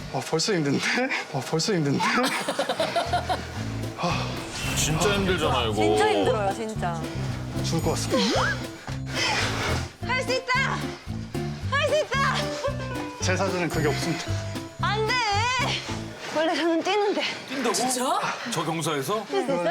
벌써 힘든데? 벌써 힘든데? 진짜 힘들잖아 이거. 진짜 힘들어요, 진짜. 죽을 것 같습니다. 할 수 있다! 할 수 있다! 제 사전엔 그게 없습니다. 안 돼! 원래 저는 뛰는데. 뛴다고? 진짜? 저 경사에서? 물입니다.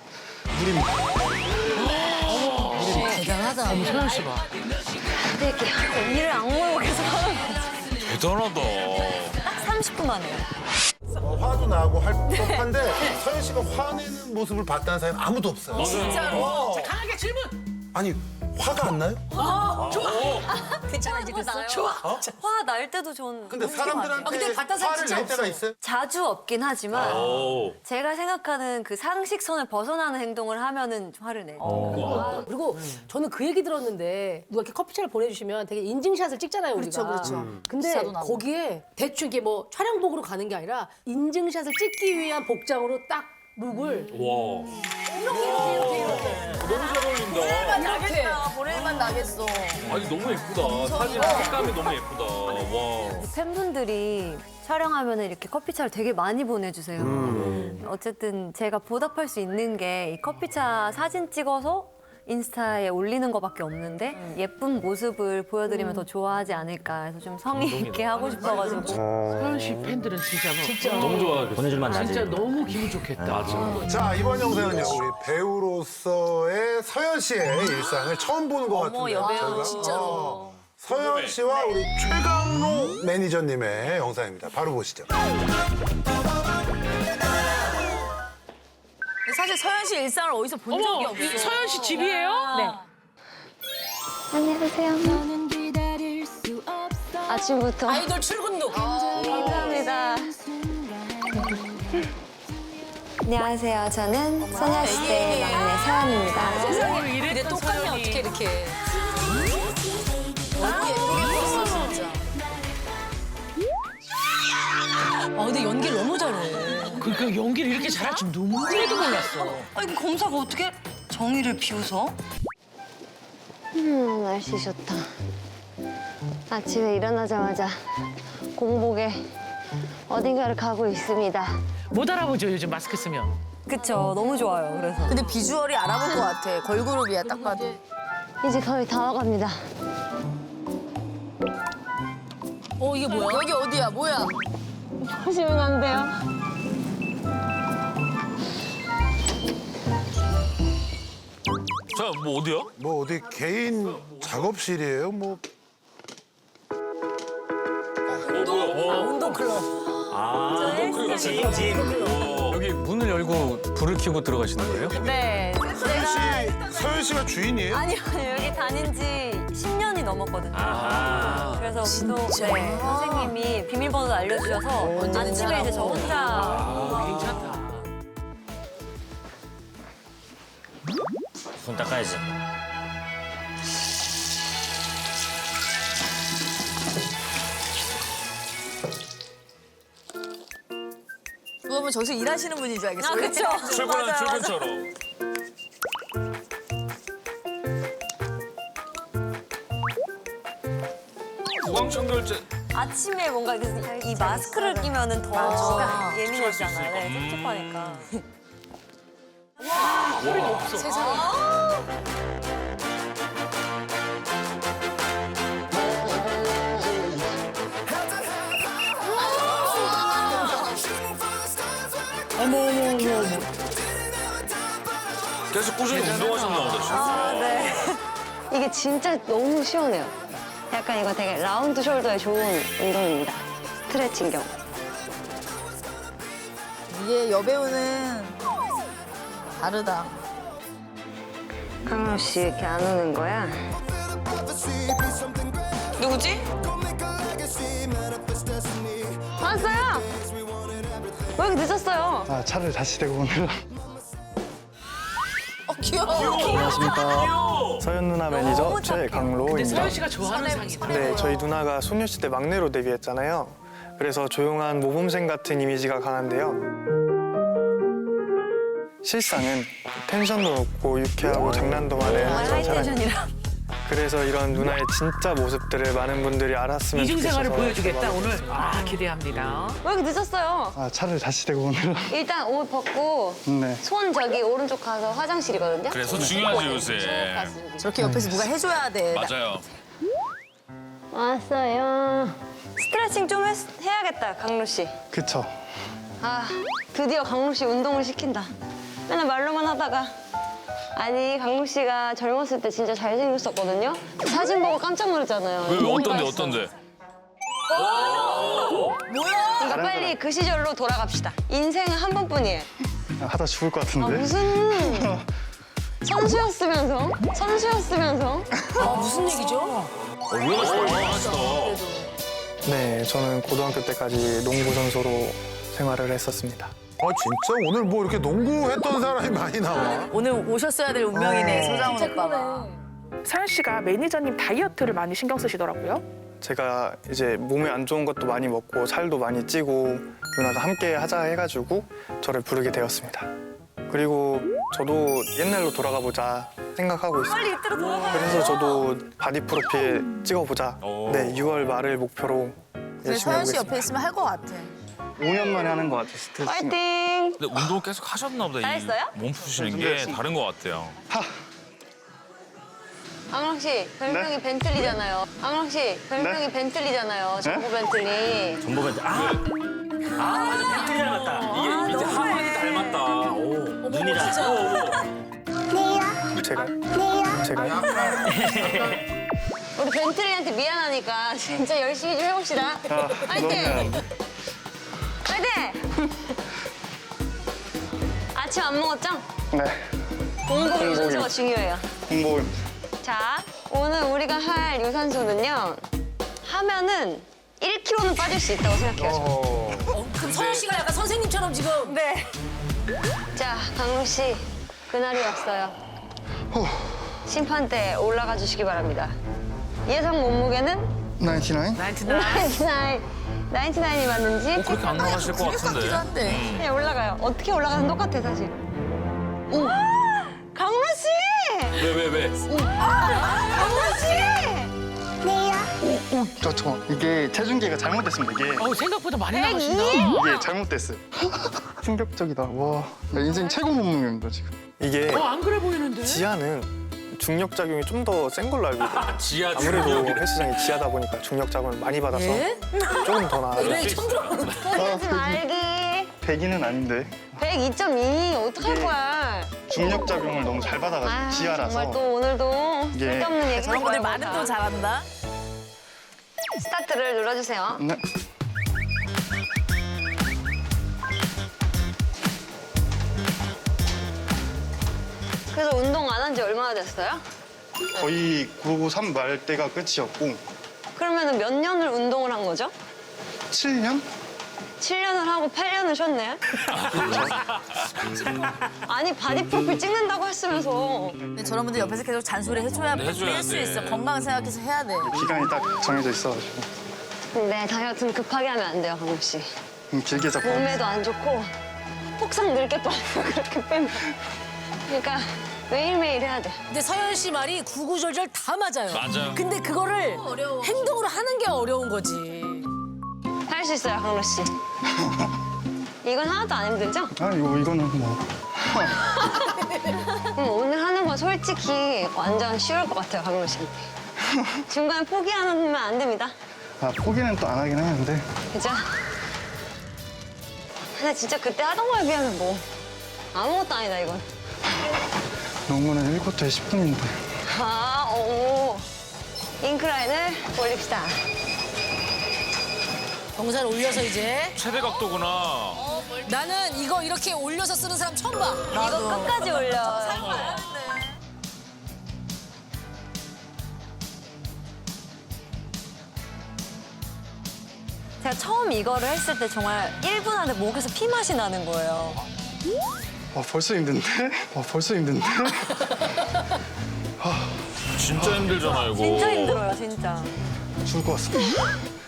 대단하다. 소연 씨 봐. 뛸게요. 언니를 악물고 계속 하는 거. 대단하다. 딱 30분만 해요. 화도 나고 할 법한데 서현 씨가 화내는 모습을 봤다는 사람이 아무도 없어요. 진짜로. 자, 강하게 질문. 아니 화가 안 나요? 괜찮아, 이제 됐어? 좋아. 화 날 때도 전. 근데 근데 사람들한테 봤던 사람 화를 진짜 낼 때가 없어. 있어요? 자주 없긴 하지만 오. 제가 생각하는 그 상식선을 벗어나는 행동을 하면은 화를 내요. 그리고 저는 그 얘기 들었는데 누가 이렇게 커피차를 보내주시면 되게 인증샷을 찍잖아요, 우리가. 그렇죠. 근데 비싸도 나고. 거기에 대충 이게 뭐 촬영복으로 가는 게 아니라 인증샷을 찍기 위한 복장으로 딱 룩을 와. 이렇게 너무 잘 어울린다. 이렇게. 보낼만 나겠어. 아니 너무 예쁘다. 사진 색감이 너무 예쁘다. 와. 팬분들이 촬영하면 이렇게 커피차를 되게 많이 보내주세요. 어쨌든 제가 보답할 수 있는 게 이 커피차 사진 찍어서 인스타에 올리는 거밖에 없는데 예쁜 모습을 보여드리면 더 좋아하지 않을까 해서 좀 성의 있게 하고 싶어가지고. 서현 씨 팬들은 진짜 뭐 너무 좋아하겠어. 보내줄만 나지. 진짜 너무 기분 좋겠다. 맞아. 자 이번 영상은요 우리 배우로서의 서현 씨의 일상을 처음 보는 것 같은데요. 여배우 진짜로. 서현 씨와 우리 최강로 매니저님의 영상입니다. 바로 보시죠. 사실 서현 씨 일상을 어디서 본 적이 어머, 없어. 이 서현 씨 집이에요? 네. 안녕하세요. 아침부터 아이돌 출근룩. 감사합니다. 안녕하세요. 저는 소녀시대 막내 서연입니다. 세상에 근데 똑같네 어떻게 이렇게. 너무 예쁘게 봤어 진짜. 근데 연기를 너무 잘해. 그러니까 연기를 이렇게 잘할 줄 눈물에도 몰랐어. 아니 검사가 어떻게 정의를 비웃어? 날씨 좋다. 아침에 일어나자마자 공복에 어딘가를 가고 있습니다. 못 알아보죠, 요즘 마스크 쓰면. 그쵸, 너무 좋아요. 그래서 근데 비주얼이 알아볼 것 같아. 걸그룹이야 딱 봐도. 이제 거의 다 와갑니다. 이게 뭐야? 여기 어디야? 뭐야? 보시면 안 돼요. 자, 뭐 어디야? 뭐 어디 개인 작업실이에요? 뭐 운동 클럽. 여기 문을 열고 불을 켜고 들어가시는 거예요? 네, 제가 서현 씨가 주인이에요? 아니요, 여기 다닌 지 10년이 넘었거든요. 그래서 운동 선생님이 비밀번호 알려주셔서 아침에 이제 저 혼자 괜찮다. 손 닦아야지. 누가 보면 저기서 일하시는 분인 줄 알겠어. 그쵸. 출근하는 출근처럼. 구강청결제. 아침에 뭔가 이 마스크를 끼면은 더 예민해지잖아요. 네, 찝찝하니까. 계속 꾸준히 운동하셨나 보다. 진짜. 네. 이게 진짜 너무 시원해요. 약간 이거 되게 라운드 숄더에 좋은 운동입니다. 스트레칭 겸. 이게 여배우는 다르다. 강로 씨 이렇게 안 오는 거야? 누구지? 왔어요! 왜 이렇게 늦었어요? 차를 다시 대고 오느라. 귀여워. 안녕하십니까. 서현 누나 매니저 근데 최강로입니다. 서현 씨가 좋아하는 상이다. 네, 저희 누나가 소녀시대 막내로 데뷔했잖아요. 그래서 조용한 모범생 같은 이미지가 강한데요. 실상은 텐션도 높고 유쾌하고 장난도 많은 그런 사람. 하이텐션이라. 그래서 이런 누나의 진짜 모습들을 많은 분들이 알았으면 이중 좋겠어서 생활을 보여주겠다 정말 오늘. 아 기대합니다. 왜 이렇게 늦었어요? 아, 차를 다시 대고 오느라. 일단 옷 벗고 네. 손 저기 오른쪽 가서 화장실이거든요. 그래서 중요하지 요새. 저렇게 옆에서 누가 해줘야 돼. 맞아요. 왔어요. 스트레칭 좀 해야겠다, 강로 씨. 그쵸. 아, 드디어 강로 씨 운동을 시킨다. 맨날 말로만 하다가. 아니, 강로 씨가 젊었을 때 진짜 잘생겼었거든요. 사진 보고 깜짝 놀랐잖아요. 왜 너무 어떤데 맛있어. 어떤데? 그러니까 빨리 그 시절로 돌아갑시다. 인생은 한 번뿐이에요. 하다 죽을 것 아, 같은데. 무슨 선수였으면서? 선수였으면서? 무슨 얘기죠? 왜 맛있다. 네, 저는 고등학교 때까지 농구 선수로 생활을 했었습니다. 아 진짜 오늘 뭐 이렇게 농구했던 사람이 많이 나와? 오늘 오셨어야 될 운명이네, 소장훈 오빠가. 서현 씨가 매니저님 다이어트를 많이 신경 쓰시더라고요. 제가 이제 몸에 안 좋은 것도 많이 먹고 살도 많이 찌고 누나가 함께 하자 해가지고 저를 부르게 되었습니다. 그리고 저도 옛날로 돌아가 보자 생각하고 있어요. 빨리 이때로 돌아가. 그래서 저도 바디 프로필 찍어보자. 오. 네, 6월 말을 목표로 그래, 열심히 서현 씨 해보겠습니다. 옆에 있으면 할 것 같아. 5년 만에 하는 것 같아, 스트레칭. 파이팅! 근데 운동 계속 하셨나 보다. 잘했어요? 몸 푸시는 게 다른 것 같아요. 앙랑 씨, 별명이 벤틀리잖아요. 앙랑 씨, 별명이 네? 벤틀리잖아요. 정보 벤틀리. 전보가 맞아 벤틀리 닮았다. 이게 밑에 하관이 닮았다. 오 눈이랑. 제가 우리 벤틀리한테 미안하니까 진짜 열심히 좀 해봅시다. 파이팅! 파이팅! 아침 안 먹었죠? 네. 공복 유산소가 중요해요. 공복. 자, 오늘 우리가 할 유산소는요. 하면은 1kg는 빠질 수 있다고 생각해요. 그럼 서현 씨가 약간 선생님처럼 지금. 네. 자, 강로 씨, 그날이 왔어요. 심판대에 올라가 주시기 바랍니다. 예상 몸무게는 99? 99이 맞는지 그렇게 안 나가실 것 같기도 같은데. 한데. 그냥 올라가요. 어떻게 올라가든 똑같아, 사실. 오! 강로 씨! 왜? 강로 씨! 저 이게 체중계가 잘못됐습니다. 이게 생각보다 많이 나가신다. 이게 잘못됐어요. 충격적이다. 와, 나 인생 최고 몸무게입니다 지금. 이게 안 그래 보이는데? 지하는 중력 작용이 좀 더 센 걸로 알고 있거든요. 지하 아무래도 중력이래. 헬스장이 지하다 보니까 중력 작용을 많이 받아서 예? 조금 더 나아요. 그래, 처음 들어보는 거. 포기하지 말기. 100이는 아닌데 102.2. 어떡할 거야. 중력 작용을 너무 잘 받아가지고 아, 지하라서. 정말 또 오늘도 이게- 쓸데없는 얘기 저런 분들 많으면 또 잘한다. 스타트를 눌러주세요. 네. 그래서 운동 안 한 지 얼마나 됐어요? 거의 993 말 때가 끝이었고 그러면 몇 년을 운동을 한 거죠? 7년? 7년을 하고 8년을 쉬었네? 아니 바디 프로필 찍는다고 했으면서 근데 저런 분들 옆에서 계속 잔소리 해줘야 해줘야 뺄 수 돼. 있어. 건강 생각해서 해야 돼. 기간이 딱 정해져 있어가지고 근데 다이어트는 급하게 하면 안 돼요, 강욱 씨. 길게 잡고 몸에도 안 좋고 폭삭 늙게 빠져 그렇게 빼면. 그러니까 매일매일 해야 돼. 근데 서현 씨 말이 구구절절 다 맞아요. 맞아요. 근데 그거를 행동으로 하는 게 어려운 거지. 할 수 있어요, 강록 씨. 이건 하나도 안 힘들죠? 아 이거는 뭐 그럼 오늘 하는 건 솔직히 완전 쉬울 것 같아요, 강록 씨한테. 중간에 포기하면 안 됩니다. 포기는 또 안 하긴 하는데 그죠? 근데 진짜 그때 하던 거에 비하면 뭐 아무것도 아니다, 이건. 농구는 1쿼터에 10분인데 인클라인을 올립시다. 경사를 올려서 이제. 최대 각도구나. 나는 이거 이렇게 올려서 쓰는 사람 처음 봐. 이거 끝까지 올려. 제가 처음 이거를 했을 때 정말 1분 안에 목에서 피 맛이 나는 거예요. 벌써 힘든데? 벌써 힘든데? 진짜 힘들잖아 이거. 진짜 힘들어요, 진짜. 죽을 것 같습니다.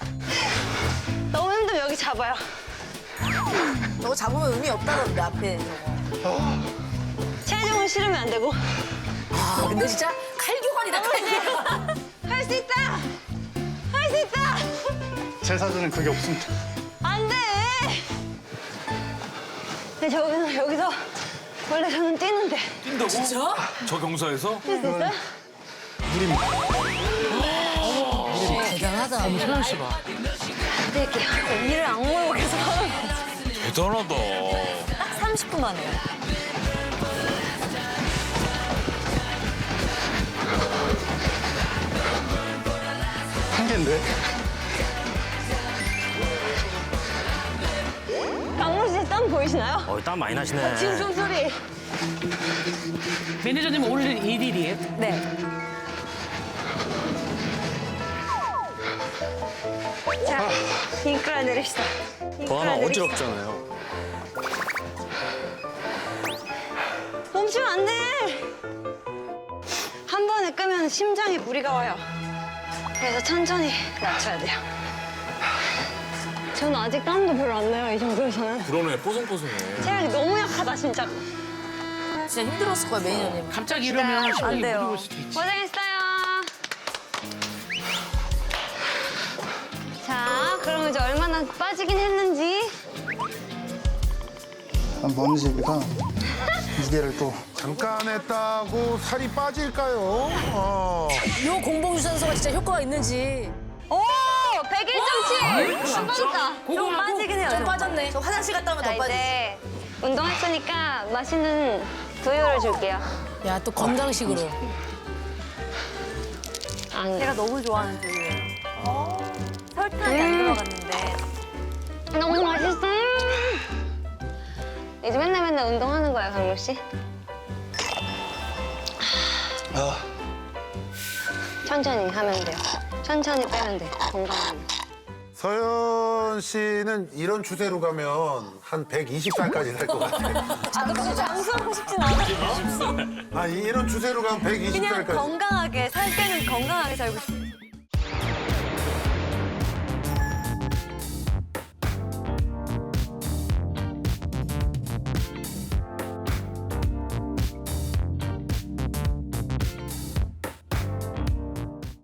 너무 힘들면 여기 잡아요. 저거 잡으면 의미 없다던데, 앞에 저거. 체중은 실으면 안 되고. 근데 진짜 칼교가 칼날이다 칼날. 할 수 있다. 할 수 있다. 제 사진은 그게 없습니다. 안 돼. 네, 저기서 여기서 원래 저는 뛰는데. 뛴다고? 진짜? 저 경사에서? 뛸 수 있어요? 대단하다. 소연 씨 봐. 뛸게요. 일을 악물고 계속 하는 거. 대단하다. 딱 30분만 해요. 한계인데? 강물 씨땀 보이시나요? 땀 많이 나시네. 지금 숨소리. 매니저님 오늘 1일이에요? 네. 자, 잉크라 내립시다. 더 하나 어지럽잖아요. 멈추면 안 돼. 한 번에 끄면 심장에 무리가 와요. 그래서 천천히 낮춰야 돼요. 저는 아직 땀도 별로 안 나요, 이 정도에서는. 그러네, 뽀송뽀송해. 체력이 너무 약하다, 진짜. 진짜 힘들었을 거야 매니저님. 갑자기 이러면 심장이 돼요. 무리올 수도 있지. 고생했어요. 자, 그럼 이제 얼마나 빠지긴 했는지. 먼지가 무게를 또 잠깐 했다고 살이 빠질까요? 요 공복 유산소가 진짜 효과가 있는지. 오! 101.7! 좀 빠졌다. 좀 빠지긴 해요. 좀 빠졌네. 저 화장실 갔다 오면 더 자, 빠지지. 이제 운동했으니까 맛있는 두유를 줄게요. 야 또 건강식으로. 제가 너무 좋아하는 두유예요. 설탕이 안 들어갔는데. 너무 맛있어. 이제 맨날 운동하는 거야, 강물 씨? 천천히 하면 돼요. 천천히 빼면 돼. 건강하면. 서현 씨는 이런 추세로 가면 한 120살까지 살 것 같아. 장수하고 싶진 않아. 아, 이런 추세로 가면 그냥 120살까지. 건강하게, 살 때는 건강하게 살고 싶어.